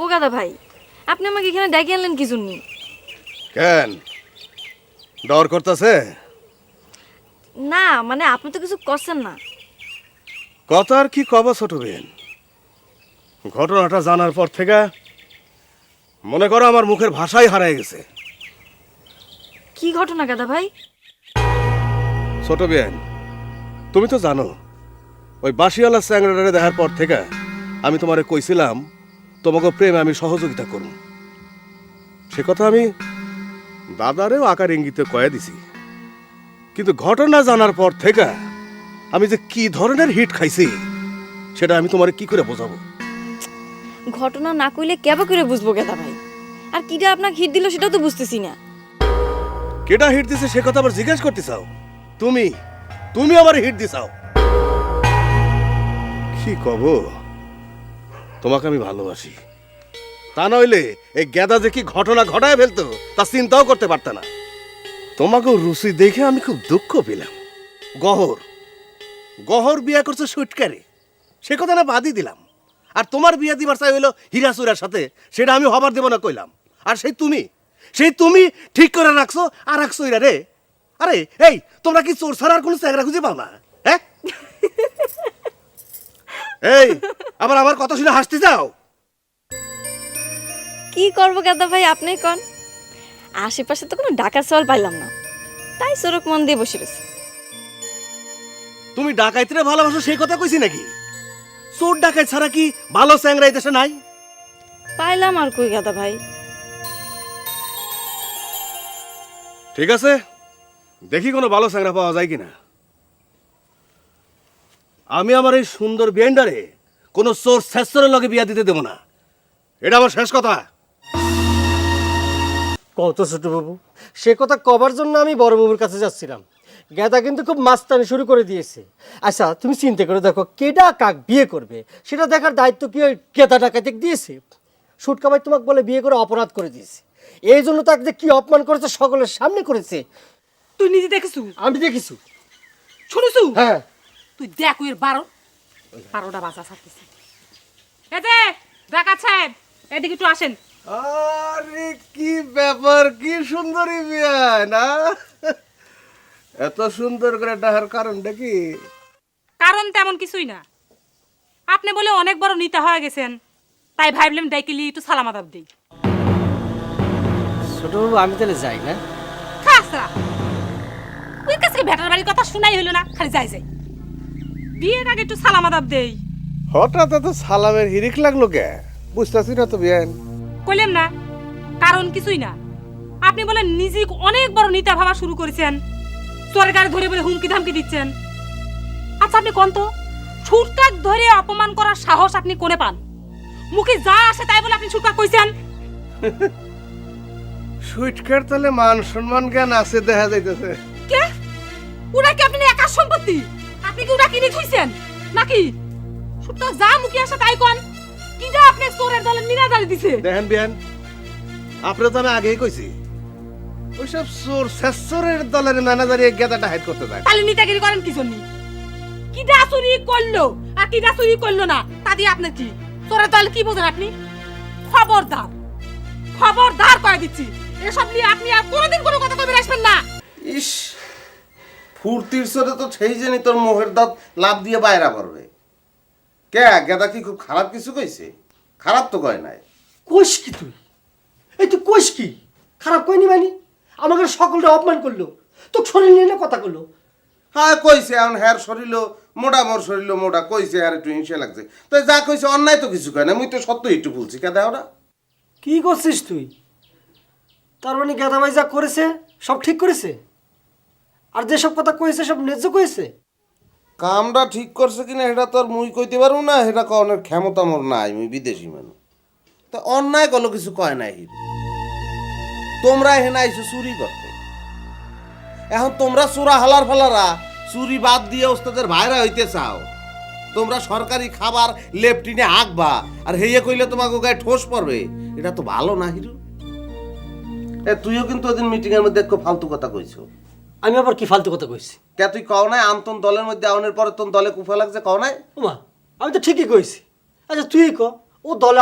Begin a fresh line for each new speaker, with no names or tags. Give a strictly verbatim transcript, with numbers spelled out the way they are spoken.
ও গাদা ভাই, আপনি আমাকে এখানে ডেকে আনলেন কি জন্য?
কেন ডর করতেছে?
না মানে আপনি তো কিছু করছেন না।
কথা আর কি কব ছোট বেন, ঘটনাটা জানার পর থেকে মনে করো আমার মুখের ভাষাই হারায় গেছে।
কি ঘটনা গাদা ভাই?
ছোট বেন, তুমি তো জানো ওই বাসিওয়ালা স্যাংরাডারে দেখার পর থেকে আমি তোমারে কইছিলাম তোমাকে প্রেমে আমি সহযোগিতা করব। সে কথা আমি দাদারেও আকার ইঙ্গিতে কয়ে দিছি, কিন্তু ঘটনা জানার পর থেকে আমি যে কি ধরনের হিট খাইছি সেটা আমি তোমারে কি করে বোঝাবো?
ঘটনা না কইলে কেবা করে বুঝবো গাদা ভাই? আর কিটা আপনাকে হিট দিল সেটাও তো বুঝতেছি না।
কেটা হিট দিছে সে কথা আবার জিজ্ঞেস করতে চাও? তুমি তুমি আমার হিট দিছাও। কি কব, তোমাকে আমি ভালোবাসি, তা নইলে এই গেদা যে কি ঘটনা ঘটায় ফেলতো তা চিন্তাও করতে পারত না। তোমাকে রুচি দেখে আমি খুব দুঃখ পেলাম। গহর গহর বিয়া করছে সুটকারে, সে কথা না বাদই দিলাম। আর তোমার বিয়া দিবার চাই হইলো হীরাচুরার সাথে, সেটা আমি হবার দেব না কইলাম। আর সেই তুমি সেই তুমি ঠিক করে রাখছো আর রাখছো ইরা রে। আরে এই তোমরা কি চোর ছাড়া আর কোনো চেহারা খুঁজে পাও না? হ্যাঁ এই আবার আমার কথা শুনে হাসতে যাও।
কি করবো গাদা ভাই আপনি কন? আশেপাশে তো কোনো ডাকার সওয়াল পাইলাম না, তাই সড়ক মন দিয়ে বসে রয়েছে।
তুমি ডাকাইতে ভালোবাসো সেই কথা কইছি নাকি? চোর ডাকাই ছাড়া কি ভালো চ্যাংরা এই দেশে নাই?
পাইলাম আর কই গাদা ভাই।
ঠিক আছে, দেখি কোনো ভালো চ্যাংরা পাওয়া যায় কিনা। আমি আমার এই সুন্দর বিয়েন্ডারে কোনো চোর শেষরের লগে বিয়া দিতে দেব না, এটা আমার শেষ কথা।
কত ছোট বাবু, সে কথা কবার জন্য আমি বড় বাবুর কাছে যাচ্ছিলাম। গেদা কিন্তু খুব মাস্তানি শুরু করে দিয়েছে। আচ্ছা তুমি চিন্তা করে দেখো, কেডা কাক বিয়ে করবে সেটা দেখার দায়িত্ব কি ওই গেদা ডাকাতে দিয়েছে? সুটকা ভাই তোমাকে বলে বিয়ে করে অপরাধ করে দিয়েছে, এই জন্য তাকে যে কি অপমান করেছে সকলের সামনে করেছে।
তুই নিজে দেখেছু?
আমি দেখেছি।
শুনেছু?
হ্যাঁ।
তুই দেখ ওই বারো বারোটা বাজা ছাড়তেছে। এ যে ডাকাত সাহেব, এদিকে একটু আসেন।
আরে কি ব্যাপার, কি সুন্দরী বিয়া না? এত সুন্দর করে ডাহার কারণটা কি?
কারণ তেমন কিছুই না, আপনি বলে অনেক বড় নেতা হয়ে গেছেন, তাই ভাবলাম ডাইকেলি একটু সালাম আদাব দিই।
ছোট বাবু আমি তাহলে যাই না?
খাসরা ওই কাছে ভেটার বাড়ির কথা শোনাই হইলো না, খালি যাই যাই। বিয়ের আগে একটু সালাম আদাব দেই।
হঠাৎ এত সালামের হিরিক লাগলো কে? বুঝতেছি না তো বিয়ান।
কইলাম না, কারণ কিছুই না। আপনি বলে নিজে অনেক বড় নেতা ভাবা শুরু করেছেন, সরকার ধরে বলে হুমকি ধামকি দিচ্ছেন। আচ্ছা আপনি কোন তো ছুটকাক ধরে অপমান করার সাহস আপনি কোনে পান? মুখে যা আসে তাই বলে আপনি ছুটকাক কইছেন।
সুইটকার তাহলে মান সম্মান জ্ঞান আছে দেখা যাইতেছে।
কে ওরা কি আপনি একার সম্পত্তি? আপনি কি ওরা কিনে থইছেন নাকি? ছুটকাক যা মুখে আসে তাই কোন। কিডা আপনি চোরের দলে মিনাজারি দিছে?
দেখেন বিয়ান, আপনি তো আমি আগেই কইছি ওইসব চোর শেষরের দলের ম্যানেজারি গেদাটা হাইড করতে যায়।
তাহলে নেতাগিরি করেন কি জন্য? কিডা চুরি করলো আর কিডা চুরি করলো না তা দিয়ে আপনি কি চোরের দল কি বোঝেন আপনি? খবরদার খবরদার কয়ে দিচ্ছি, এসব নিয়ে আপনি আর কোনোদিন কোনো কথা কইবেন আসবেন না।
ইস, ফুর্তির সাথে তো সেই জানি তোর মোহের দাঁত লাভ দিয়ে বাইরা পড়বে। কে গেদা কি খুব খারাপ কিছু কইছে? খারাপ তো কয় নাই।
কোষ কি তুই? এই তুই কোষ কি? খারাপ কইনি মানে? আমাকে সকলটা অপমান করলো, তো শরীর নিয়ে না কথা করলো।
হ্যাঁ কইছে, এখন হ্যার শরীর মোটা, মোর শরীর মোটা, কইছে আর একটু হিংসা লাগছে। তো যা কইছে অন্যায় তো কিছু কয় না, মুই তো সত্য একটু বলছি। কে দেও না?
কি করছিস তুই? তার মানে গেদা ভাই যা করেছে সব ঠিক করেছে, আর যেসব কথা কয়েছে সব ন্যায্য কয়েছে।
কামটা ঠিক করছে কিনা এটা তো আর মুই কইতে পারবো না, এটা কনের ক্ষমতা মোর নাই, মুই বিদেশি মানুষ। তা অন্যায় কোনো কিছু কয় নাই হিরো। তোমরা এখানে আইছো চুরি করতে, এখন তোমরা চোরা হালার ফালারা চুরি বাদ দিয়ে ওস্তাদের ভাইরা হইতে চাও। তোমরা সরকারি খাবার লেফটিনে হাঁকবা আর হেয়ে কইলে তোমাকে গায়ে ঠোস পড়বে, এটা তো ভালো না হিরো। এ তুইও কিন্তু ওদিন মিটিং এর মধ্যে একটু ফালতু কথা কইছো।
আমি আবার কি ফালতু কথা কইছি?
কে তুই কও নাই আন্তন দলের মধ্যে আউনের পরে তোর দলে কুফা লাগছে, কও নাই?
ওমা আমি তো ঠিকই কইছি। আচ্ছা তুই ক, ও দলে